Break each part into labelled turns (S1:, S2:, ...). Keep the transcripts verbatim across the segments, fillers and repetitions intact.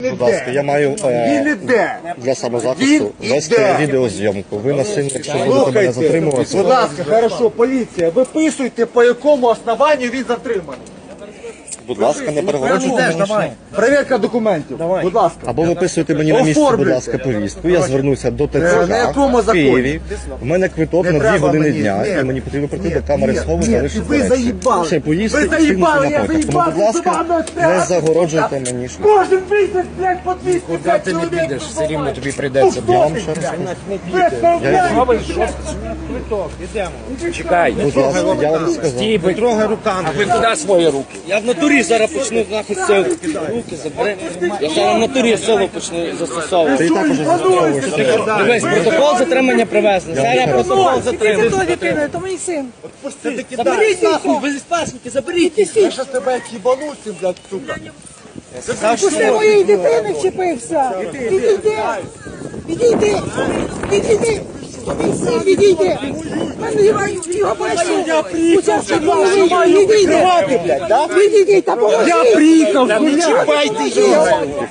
S1: Будь ласка, я маю е, для самозахисту вести відеозйомку. Ви насильно, якщо будете мене затримувати.
S2: Будь ласка, хорошо, поліція, виписуйте, по якому основанню він затриманий.
S1: Будь ласка, не перегороджуйте мені.
S2: Перевірка документів, будь ласка.
S1: Або виписуйте мені на місці, будь ласка, повістку. Я звернуся до ТЦК в Києві. У мене квиток на дві години дня, і мені потрібно прийти до камери схову та лише
S2: ви заїбали.
S1: ще поїсти
S2: Ви
S1: і кинути
S2: заїбали, я
S1: напиток. Тому, будь ласка, не загороджуйте мені шлях.
S2: Кожен місяць, блядь, по двісті
S3: Куди ти не підеш, все рівно тобі прийдеться.
S1: Я вам ще раз кажу.
S3: Чекай,
S1: Будь ласка, я вам сказав.
S3: стій, ви трогай руками. А ви куди свої руки? Я в натурі зараз почну нахуй силу. Руки забери. Я зараз в натурі силу почну
S1: Ти
S3: застосовувати.
S1: і також застосовуєш.
S3: Дивись, протокол затримання привезли. Зараз протокол затримання.
S4: Хто дитина? То мій син.
S3: Заберіть нахуй, ви з паспорті, заберіть.
S2: Я щас тебе як їбану цим, блядь, сука.
S4: Пусти моєї дитини вчепився. Відійди. Відійди. Відійди. Мій син, відійди. Мене його бачу. Учасник голови. Відійди. Відійди та поможи.
S2: Я приїхав, не чіпайте його.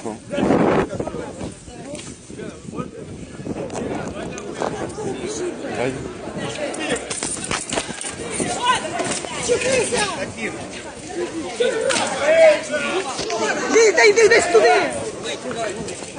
S4: Вчепися. Йди, йди, йди туди.